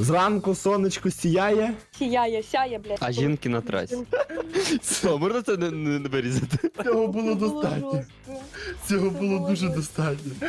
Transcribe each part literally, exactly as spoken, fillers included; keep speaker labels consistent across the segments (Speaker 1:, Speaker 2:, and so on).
Speaker 1: Зранку сонечко сіяє.
Speaker 2: Сіяє, сяє, блядь.
Speaker 3: А жінки на трасі. Що, можна це не, не, не вирізати?
Speaker 1: Цього було
Speaker 2: Це було
Speaker 1: достатньо.
Speaker 2: жорстко.
Speaker 1: Цього
Speaker 2: Це
Speaker 1: було
Speaker 2: було
Speaker 1: дуже
Speaker 2: жорстко.
Speaker 1: достатньо.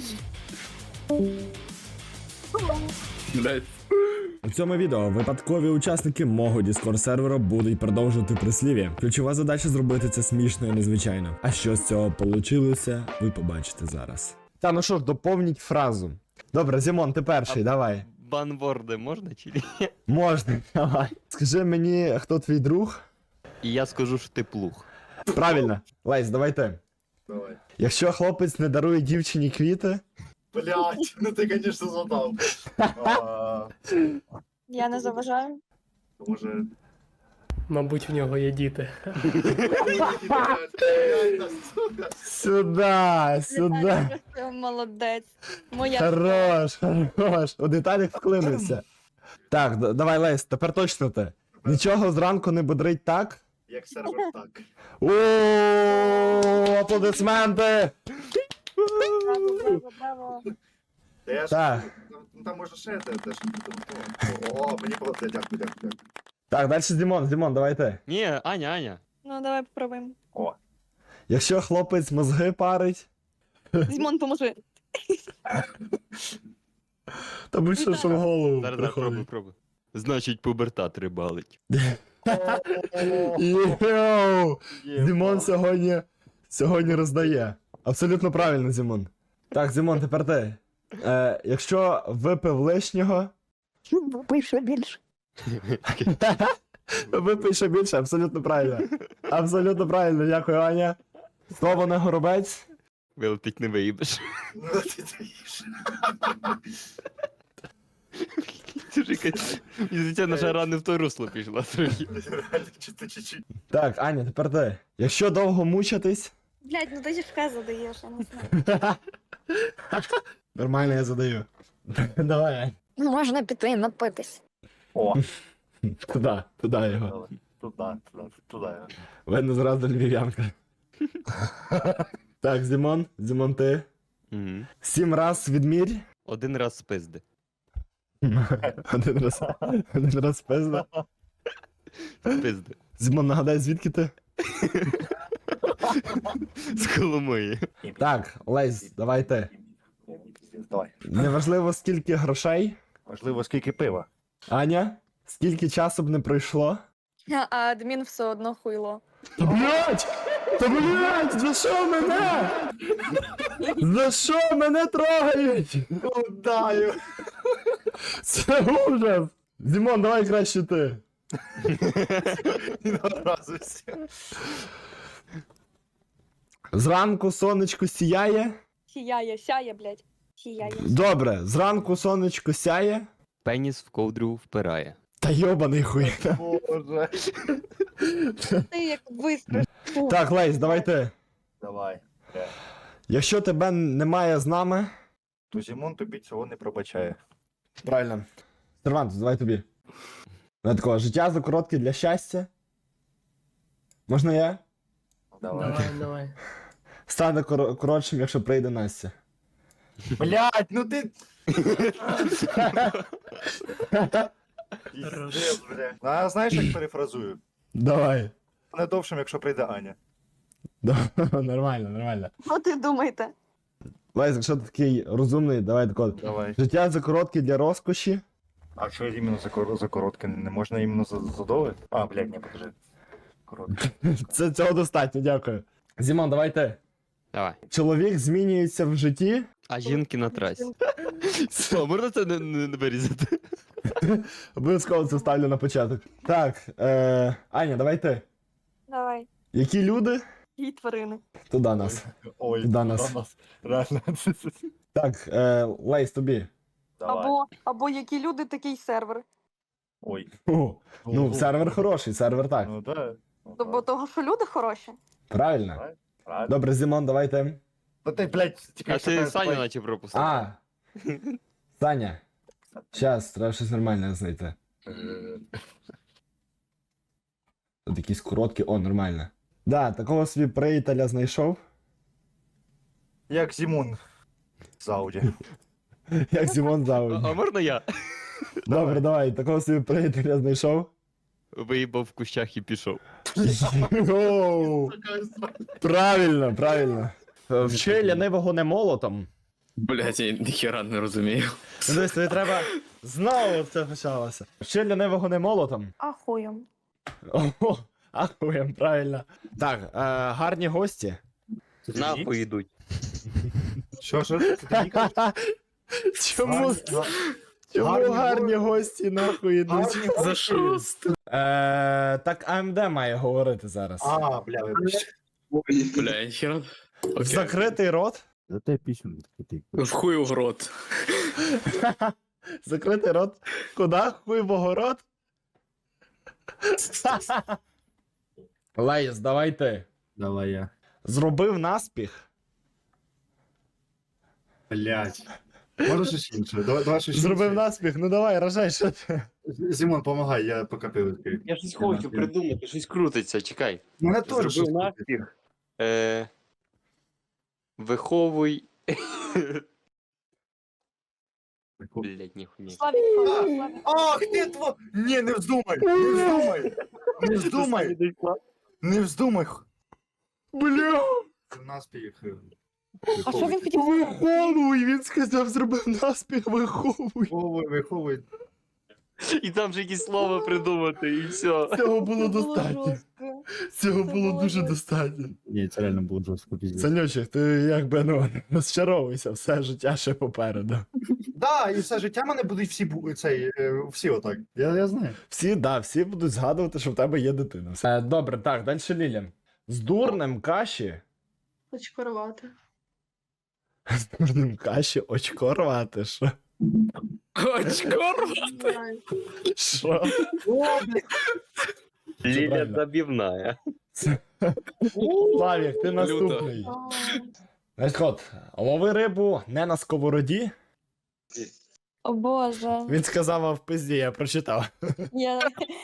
Speaker 1: Блять. У цьому відео випадкові учасники мого Discord сервера будуть продовжувати прислів'я. Ключова задача зробити це смішно і незвичайно. А що з цього получилося, ви побачите зараз. Та ну що ж, доповніть фразу. Добре, Зімон, ти перший, давай.
Speaker 3: Банворди можна чи ні?
Speaker 1: Можна, давай. Скажи мені, хто твій друг?
Speaker 3: І я скажу, що ти плуг.
Speaker 1: Правильно. Лейс, давай ти.
Speaker 4: Давай.
Speaker 1: Якщо хлопець не дарує дівчині квіти,
Speaker 4: Блять, ну ты, конечно, задал. А,
Speaker 2: Я не заважаю.
Speaker 4: Може...
Speaker 5: Мабуть, в нього є діти.
Speaker 1: сюда, сюда.
Speaker 2: Віталій, просто молодець. Моя.
Speaker 1: Хорош, хорош. У деталях вклинився. Так, д- давай, Лейс, тепер точно ти. Нічого зранку не бодрить так.
Speaker 4: Як сервер, так.
Speaker 1: О, аплодисменти!
Speaker 2: Браво, браво, браво.
Speaker 4: Та я ж...
Speaker 1: Так.
Speaker 4: Ну там може ще те, теж не підготував. О, мені було... Дякую, дякую, дякую.
Speaker 1: Так, далі Дімон, Дімон, давай ти.
Speaker 3: Ні, Аня, Аня.
Speaker 2: Ну, давай попробуємо.
Speaker 4: О,
Speaker 1: Якщо хлопець мозги парить,
Speaker 2: Зімон, поможи.
Speaker 1: то будь-що що в голову
Speaker 3: Зараз, зараз, пробуй,
Speaker 1: приходить.
Speaker 3: пробуй. Значить, пубертат рибалить.
Speaker 1: Йоу! Дімон сьогодні, сьогодні роздає. Абсолютно правильно, Зімон. Так, Зімон, тепер ти. Е, якщо випив лишнього,
Speaker 2: Випий ще більше.
Speaker 1: випий ще більше, абсолютно правильно. Абсолютно правильно, дякую, Аня. Слово на горобець.
Speaker 3: Вилетить не виїбеш.
Speaker 4: ну ти даєш.
Speaker 3: Це наша рана в то русло пішла трохи.
Speaker 4: Реально, чисто чуть-чуть.
Speaker 1: Так, Аня, тепер ти. Якщо довго мучитись.
Speaker 2: Блядь, ну ти ж в задаєш, я не знаю.
Speaker 1: Нормально я задаю. Давай, Ань.
Speaker 6: Можна піти напитись.
Speaker 4: О,
Speaker 1: Туди, туди його.
Speaker 4: туди, туди, туди.
Speaker 1: Видно зразу львів'янка. Так, Зімон, Зімон ти.
Speaker 3: Мгм.
Speaker 1: Сім раз відмірь.
Speaker 3: Один раз спизди.
Speaker 1: Один раз. Один раз пизда.
Speaker 3: Спизди.
Speaker 1: Зімон, нагадай, звідки ти?
Speaker 3: З Коломиї.
Speaker 1: Так, Лесь, давай ти.
Speaker 4: Давай.
Speaker 1: Неважливо, скільки грошей.
Speaker 4: Важливо, скільки пива.
Speaker 1: Аня, скільки часу б не пройшло.
Speaker 2: А адмін все одно хуйло.
Speaker 1: Та блять! Та блять! За що мене? За що мене трогають?
Speaker 4: Удаю.
Speaker 1: Це ужас! Зімон, давай краще ти.
Speaker 4: Не образуйся.
Speaker 1: Зранку сонечко сіяє.
Speaker 2: Сіяє, сяє, блядь. Сіяє.
Speaker 1: Добре, зранку сонечко сяє.
Speaker 3: Пеніс в ковдру впирає.
Speaker 1: Та йобаний хуй.
Speaker 4: Боже.
Speaker 2: Ти як вистраш.
Speaker 1: Так, Лейс, давай ти.
Speaker 4: Давай. Е,
Speaker 1: Якщо тебе немає з нами.
Speaker 4: То Зімон тобі цього не пробачає.
Speaker 1: Правильно. Сервантус, давай тобі. Не такого, життя закоротке для щастя. Можна я?
Speaker 4: Давай.
Speaker 5: Давай, давай.
Speaker 1: Стане кор- коротшим, якщо прийде Настя.
Speaker 4: Блять, ну ти... Пиздец, бля. А знаєш, як перефразую?
Speaker 1: Давай.
Speaker 4: Не довшим, якщо прийде Аня.
Speaker 1: Да, нормально, нормально.
Speaker 2: Що ти думаєте?
Speaker 1: Лейс, якщо ти такий розумний, давай тако.
Speaker 4: Давай.
Speaker 1: Життя закоротке для розкоші.
Speaker 4: А що іменно за, кор... за коротке? Не можна іменно за задове? А, блядь, не, покажи. Коротке.
Speaker 1: Це цього достатньо, дякую. Зімон, давай ти.
Speaker 3: Давай.
Speaker 1: Чоловік змінюється в житті.
Speaker 3: А жінки на трасі. Що, можна це не, не, не вирізати?
Speaker 1: Обов'язково це ставлю на початок. Так, е... Аня, давай ти.
Speaker 2: Давай.
Speaker 1: Які люди?
Speaker 2: І тварини.
Speaker 1: Туди нас.
Speaker 4: Ой,
Speaker 1: Туди нас.
Speaker 4: Реально.
Speaker 1: Так, е... Лейс, тобі.
Speaker 4: Давай.
Speaker 2: Або, або які люди, такий сервер.
Speaker 4: Ой.
Speaker 1: О, ну, сервер хороший, сервер так.
Speaker 4: Ну да. Ну,
Speaker 2: Бо того, що люди хороші.
Speaker 1: Правильно.
Speaker 4: правильно.
Speaker 1: Добре, Зімон, давай ти.
Speaker 4: Ну ти, блядь, тільки
Speaker 3: А
Speaker 4: що
Speaker 3: ти
Speaker 4: кажеш,
Speaker 3: Саню
Speaker 4: давай.
Speaker 3: наче пропустив.
Speaker 1: А. Саня. Щас, треба щось нормальне знайти.
Speaker 4: Е,
Speaker 1: Тут якісь короткі, о, нормально. Да, такого собі приятеля знайшов.
Speaker 4: Як Зімон. З Ауді.
Speaker 1: Як Зімон
Speaker 3: А,
Speaker 1: Зауді.
Speaker 3: а можна я?
Speaker 1: Добре, давай, такого собі приятеля знайшов.
Speaker 3: Виїбав в кущах і пішов.
Speaker 1: Йоу. Правильно, правильно. Вчи лянивого не молотом.
Speaker 7: Блять, я ніхера не розумію.
Speaker 1: Ну, дивись, тобі треба знову це почалося. Вчи лянивого не молотом.
Speaker 2: Ахуєм.
Speaker 1: Ого, ахуєм, правильно. Так, е, гарні гості.
Speaker 3: Нахуй йдуть.
Speaker 4: Що, що? Це ти мені кажеш?
Speaker 1: Чому,
Speaker 4: Гарні-
Speaker 1: чому
Speaker 4: гарні
Speaker 1: гарні
Speaker 4: го-
Speaker 1: гості нахуй йдуть?
Speaker 4: Гарні
Speaker 7: За
Speaker 4: гості.
Speaker 7: що?
Speaker 1: Е, так АМД має говорити зараз.
Speaker 4: А, бля, вибачте.
Speaker 7: Бля, я ніхера.
Speaker 1: В
Speaker 7: Окей.
Speaker 1: закритий рот.
Speaker 8: Зате пісню такий.
Speaker 7: В хую в рот.
Speaker 1: Закритий рот. Куда? Хуй в огород? Лейс, давай ти.
Speaker 8: Давай я.
Speaker 1: Зробив наспіх.
Speaker 4: Блять. Може щось інше? Давай, давай щось
Speaker 1: Зробив
Speaker 4: інше.
Speaker 1: наспіх, ну давай, рожай, що ти.
Speaker 4: Зімон, помагай, я поки пиво відкрию.
Speaker 3: Я щось хочу придумати, щось крутиться, чекай.
Speaker 4: Мене теж щось
Speaker 3: Зробив
Speaker 4: крутить.
Speaker 3: наспіх. Е... Виховуй. Блять, ніхуя.
Speaker 2: Славік, Славік, Славік.
Speaker 4: Ах, ти тво... Ні, не вздумай! Не вздумай! Не вздумай! Не вздумай!
Speaker 1: Бля,
Speaker 4: Наспіх.
Speaker 2: А що він хотів?
Speaker 1: виховуй, він сказав, зробив наспіх, виховуй.
Speaker 4: Виховуй, виховуй.
Speaker 3: І там же якісь слова придумати, і все.
Speaker 1: Цього було
Speaker 2: Це було
Speaker 1: достатньо.
Speaker 2: жорстко.
Speaker 1: Цього
Speaker 2: Це
Speaker 1: було
Speaker 2: було
Speaker 1: дуже
Speaker 2: жорстко.
Speaker 1: достатньо.
Speaker 8: Ні, це реально було жорстко піздець.
Speaker 1: Санючик, ти якби ну розчаровуйся, все життя ще попереду.
Speaker 4: Да, і все життя мене будуть всі бу- цей, е, всі отак. Я, я знаю.
Speaker 1: Всі, да, всі будуть згадувати, що в тебе є дитина. Все. Е, добре, так, далі Ліля. З дурнем каші.
Speaker 2: Очко рвати.
Speaker 1: З дурнем каші очко рвати, що?
Speaker 7: Очко рвати.
Speaker 1: Що?
Speaker 3: Ліля
Speaker 1: правильно.
Speaker 3: забівная.
Speaker 1: Славік, ти наступний. Значить, от, лови рибу не на сковороді.
Speaker 6: О боже.
Speaker 1: Він сказав, а в пизді, я прочитав.
Speaker 6: Я...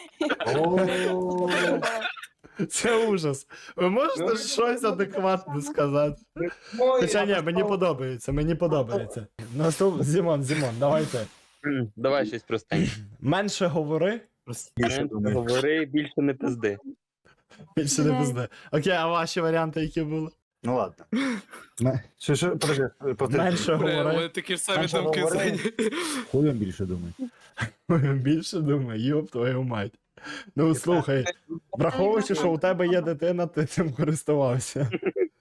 Speaker 1: Це ужас. Ви можете щось адекватне сказати? Хоча ні, мені подобається, мені подобається. Наступ... Зімон, Зімон, давайте.
Speaker 3: Давай щось простеньке.
Speaker 1: Менше говори,
Speaker 4: Більше думаю.
Speaker 3: Говори, більше не пизди.
Speaker 1: більше не пизди. Окей, а ваші варіанти які були?
Speaker 4: Ну ладно. Ме- Що, що, подожди, подожди.
Speaker 1: Менше
Speaker 7: Бля, у
Speaker 1: говори.
Speaker 7: мене такі ж самі
Speaker 4: Менше
Speaker 7: думки
Speaker 4: говори.
Speaker 7: зайняті.
Speaker 8: Хуєм більше думай.
Speaker 1: Більше думаю, йоп твою мать. Ну слухай, враховуючи, що у тебе є дитина, ти цим користувався.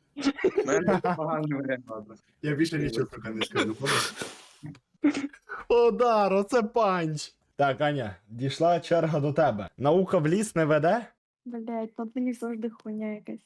Speaker 4: Я більше нічого поки не скажу.
Speaker 1: Удар, оце панч. Так, Аня, дійшла черга до тебе. Наука в ліс не веде?
Speaker 2: Блять, ну ти завжди хуйня якась.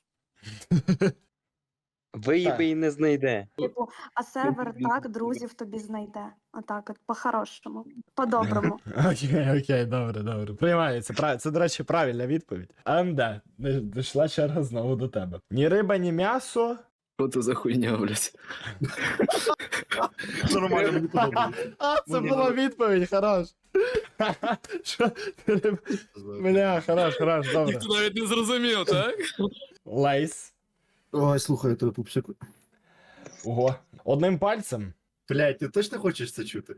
Speaker 3: Виїби і не знайде.
Speaker 2: Типу, а сервер так друзів тобі знайде. Отак от, по-хорошому, по-доброму.
Speaker 1: Окей, окей, добре, добре. Приймається. Прав- Це, до речі, правильна відповідь. АМД, не- дійшла черга знову до тебе. Ні риба, ні м'ясо.
Speaker 7: Що це за хуйня, блядь?
Speaker 4: Нормально, мені подобається.
Speaker 1: А, це
Speaker 4: Мені
Speaker 1: була
Speaker 4: добре.
Speaker 1: відповідь, хорош. Що? Риба- Бля, хорош, хорош, добре.
Speaker 7: Ніхто навіть не зрозумів, так?
Speaker 1: Лейс.
Speaker 8: Ой, слухай, то пупсику.
Speaker 1: Ого. Одним пальцем.
Speaker 4: Блять, ти точно хочеш це чути?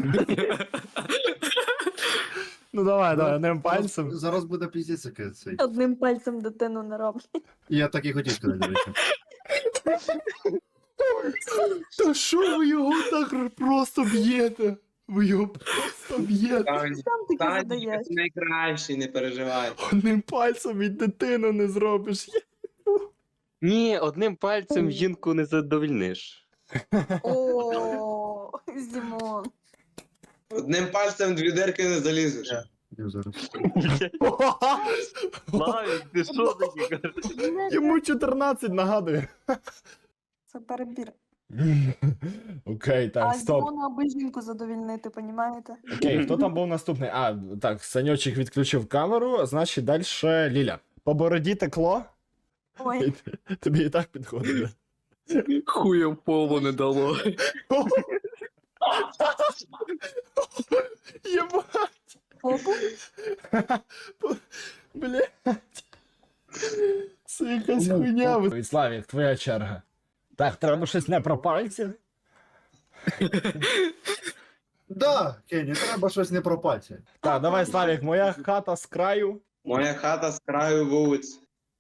Speaker 1: Ну давай, давай, одним пальцем.
Speaker 4: Зараз, зараз буде піздець яке цей.
Speaker 2: Одним пальцем дитину не роблять.
Speaker 4: Я так і хотів сказати, до речі.
Speaker 1: Та що ви його так просто б'єте? Ви його просто б'єте.
Speaker 2: Сам таки
Speaker 9: Танечка,
Speaker 2: задаєш.
Speaker 9: ти найкращий, не переживай.
Speaker 1: Одним пальцем і дитину не зробиш.
Speaker 3: Ні, одним пальцем жінку не задовольниш.
Speaker 2: О, Зімон.
Speaker 9: Одним пальцем дві дирки не залізеш.
Speaker 8: Я зараз.
Speaker 3: Славік, ти що таке кажеш?
Speaker 1: Йому чотирнадцять нагадує.
Speaker 2: Це перебір.
Speaker 1: Окей,
Speaker 2: А
Speaker 1: так, стоп.
Speaker 2: Зімону аби жінку задовільнити, понімаєте?
Speaker 1: Окей, хто там був наступний? А, так, Саньочик відключив камеру, значить далі Ліля. По бороді текло?
Speaker 2: Ой,
Speaker 1: Тобі і так підходить.
Speaker 7: Хуєм полу не дало.
Speaker 1: Єбать!
Speaker 2: попу?
Speaker 1: Блять. Це якась хуйня. Славік, твоя черга. Так, треба щось не про пальці.
Speaker 8: Да, Кені, треба щось не про пальці.
Speaker 1: Так, давай, Славік, моя хата з краю.
Speaker 9: Моя хата з краю вулиці.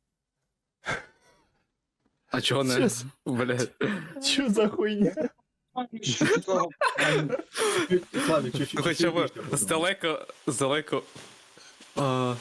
Speaker 7: А чого не?
Speaker 1: Щас.
Speaker 7: Блядь.
Speaker 1: Що за хуйня?
Speaker 9: Що такого?
Speaker 8: Славік, чуть-чуть.
Speaker 7: Ну хоча б
Speaker 8: більше подумай.
Speaker 7: здалеко, здалеко, а,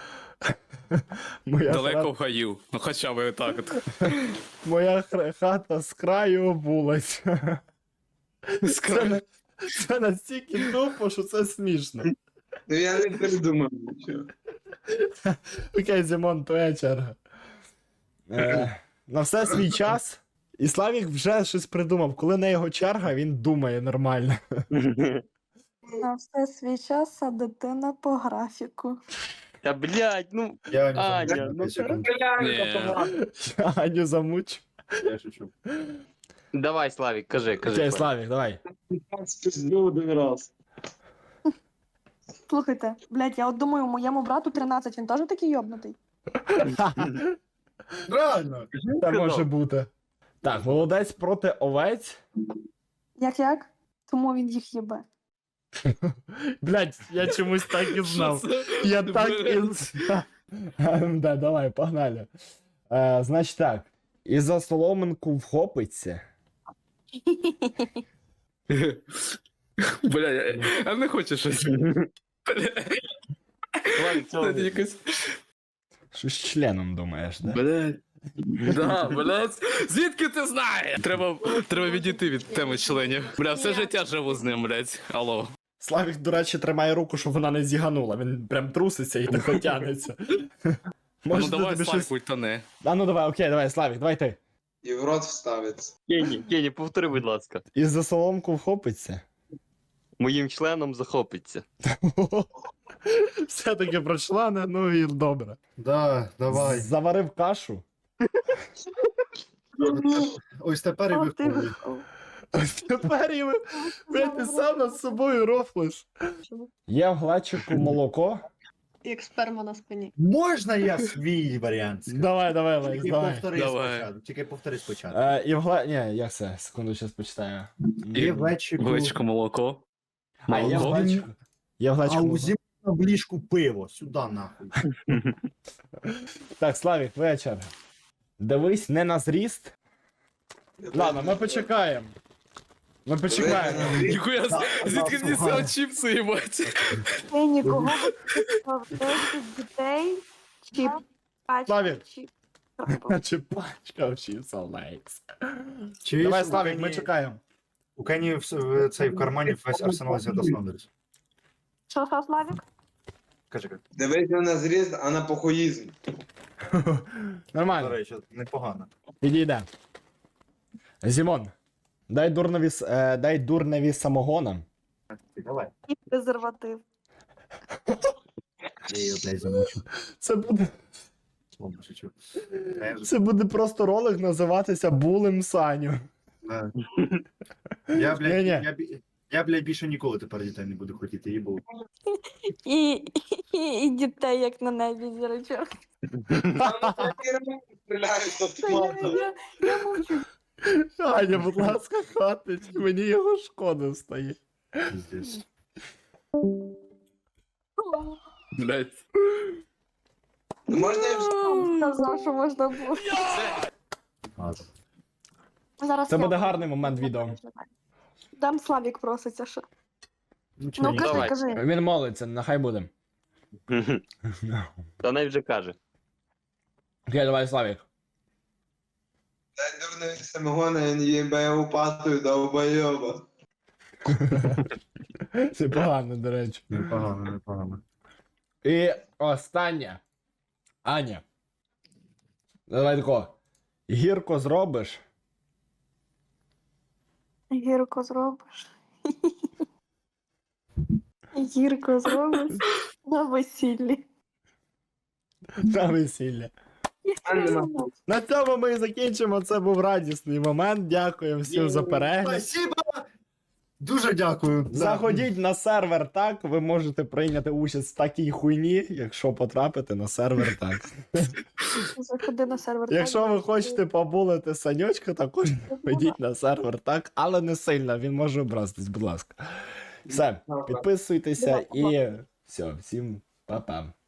Speaker 1: Моя,
Speaker 7: далеко
Speaker 1: хата,
Speaker 7: в гаю. Ну хоча б так от.
Speaker 1: моя хра- хата з краю вулиць. Це, на- це настільки тупо, що це смішно.
Speaker 9: Ну я не придумав нічого.
Speaker 1: Окей, Зімон, твоя черга. Е, на все свій час. І Славік вже щось придумав. Коли на його черга, він думає нормально.
Speaker 2: На все свій час, а дитина по графіку.
Speaker 3: Та блядь, ну.
Speaker 8: Я не
Speaker 3: Аня,
Speaker 8: знаю,
Speaker 3: ну,
Speaker 8: секунду.
Speaker 7: Ні.
Speaker 1: Я Аню замучу.
Speaker 8: Я шучу.
Speaker 3: Давай, Славік, кажи, кажи.
Speaker 1: Окей,
Speaker 3: Славік.
Speaker 1: Славік, давай.
Speaker 9: Спіздив один раз.
Speaker 2: Слухайте, блядь, я от думаю, моєму брату тринадцять, він теж такий йобнутий.
Speaker 8: Реально.
Speaker 1: Це може бути. Так, молодець проти овець.
Speaker 2: Як-як? Тому він їх їбе.
Speaker 1: Блять, я чомусь так і
Speaker 7: Що
Speaker 1: знав.
Speaker 7: це?
Speaker 1: Я так і
Speaker 7: Блядь.
Speaker 1: знав. Да, давай, погнали. Е, значить так. І за соломинку вхопиться.
Speaker 7: Бля, я, я не хочу щось. Бля.
Speaker 3: Славік, цього
Speaker 7: Це
Speaker 3: не-
Speaker 7: якось.
Speaker 1: Що з членом думаєш, да?
Speaker 7: Блядь. Да, блядь. Звідки ти знаєш? Треба, треба відійти від теми членів. Бля, все життя живу з ним, блядь. Алло.
Speaker 1: Славік, до речі, тримає руку, щоб вона не зіганула. Він прям труситься і так тягнеться.
Speaker 7: Ну
Speaker 1: Може,
Speaker 7: давай,
Speaker 1: тобі
Speaker 7: Славік,
Speaker 1: щось...
Speaker 7: ультане.
Speaker 1: А ну давай, окей, давай, Славік, давай ти.
Speaker 9: І в рот вставиться.
Speaker 3: Кені, Кені, повтори, будь ласка.
Speaker 1: І за соломку вхопиться.
Speaker 3: Моїм членом захопиться.
Speaker 1: Все-таки про члени, ну і добре.
Speaker 8: Да, давай.
Speaker 1: Заварив кашу.
Speaker 8: Ось тепер і
Speaker 2: О, ти
Speaker 8: виходить.
Speaker 2: вихов.
Speaker 1: Ось тепер і ви, блядь, ти сам над собою рофлиш. Є в глечику молоко.
Speaker 6: Як сперма на спині.
Speaker 8: Можна я свій варіант? скажу?
Speaker 1: Давай, давай, Лекс,
Speaker 8: Тільки
Speaker 1: давай.
Speaker 8: повтори
Speaker 7: Давай.
Speaker 8: спочатку. Тільки повтори спочатку.
Speaker 1: Е, і в гле... Ні, як це? Секунду, зараз почитаю.
Speaker 8: Є в глечику.
Speaker 7: Глечко молоко.
Speaker 1: А, є в
Speaker 7: Молоко.
Speaker 1: глечику. Є в
Speaker 8: А
Speaker 1: глечику
Speaker 8: у
Speaker 1: молоко.
Speaker 8: зімі в ліжку пиво. Сюди нахуй.
Speaker 1: Так, Славік, твоя черга. Дивись не на зріст. Ладно, ми почекаємо. Ми почекаємо.
Speaker 7: Ніхуя, звідки мені
Speaker 8: слухай.
Speaker 7: це чіпси, їбать?
Speaker 2: Ти нікого десять дітей чи пачка
Speaker 1: Славік.
Speaker 2: чи...
Speaker 1: Чи пачка вчився, Лекс.
Speaker 8: Чуєш,
Speaker 1: Давай,
Speaker 8: у
Speaker 1: Славік, ми
Speaker 8: Кені-
Speaker 1: чекаємо.
Speaker 8: У Кені в, в, цей, в кармані весь арсенал Зіда Снондерс.
Speaker 2: Що, що, Славік?
Speaker 8: Кажи, кажи.
Speaker 9: Дивись не на зріст, а на похуїзм.
Speaker 8: До
Speaker 1: Нормально,
Speaker 8: речі, непогано.
Speaker 1: підійде. Зімон, дай дурневі, с- е, дай дурневі самогона.
Speaker 8: Давай.
Speaker 2: І презерватив.
Speaker 8: Я її опять замучу.
Speaker 1: Це буде,
Speaker 8: Словно шучу. Я вже-
Speaker 1: це буде просто ролик називатися Булем Саню.
Speaker 8: Да. Я, блядь,
Speaker 1: Ні-ні.
Speaker 8: я, бі- я, блядь, більше ніколи тепер дітей не буду хотіти, їй було.
Speaker 2: І, і, і дітей, як на небі зірочок.
Speaker 9: Стріляють з
Speaker 2: Я,
Speaker 9: автомата.
Speaker 2: я, я мовчу.
Speaker 1: Аня, будь ласка, хватить, мені його шкода стає.
Speaker 8: Пиздец.
Speaker 7: Блядь.
Speaker 9: Ну, можна я вже
Speaker 2: Сказав, що можна було.
Speaker 8: Ладно.
Speaker 2: Зараз
Speaker 1: Це
Speaker 2: я
Speaker 1: буде
Speaker 2: буду.
Speaker 1: гарний момент відео.
Speaker 2: Там Славік проситься ще.
Speaker 8: Ну, чого
Speaker 2: Ну
Speaker 8: ні?
Speaker 2: кажи,
Speaker 3: Давай.
Speaker 2: кажи.
Speaker 1: Він молиться, нехай буде.
Speaker 3: Та навіть вже каже.
Speaker 1: Окей, давай, Славік.
Speaker 9: дай дурний самогона, він їбе упатую довбойоба.
Speaker 1: Це погано, до речі.
Speaker 8: Непогано, непогано.
Speaker 1: І останнє. Аня. Давай тако. Гірко зробиш.
Speaker 2: Гірко зробиш. Гірко зробиш на весіллі.
Speaker 1: На весілля.
Speaker 9: А нема.
Speaker 1: На цьому ми і закінчимо. Це був радісний момент. Дякуємо всім за перегляд.
Speaker 8: Спасибо! Дуже дякую. Да.
Speaker 1: Заходіть на сервер так. Ви можете прийняти участь в такій хуйні, якщо потрапите на сервер так.
Speaker 2: Заходи на сервер.
Speaker 1: Якщо ви хочете побулити санючка, також ходіть на сервер так, але не сильно, він може образитись, будь ласка. Все, підписуйтеся і все, всім па-па.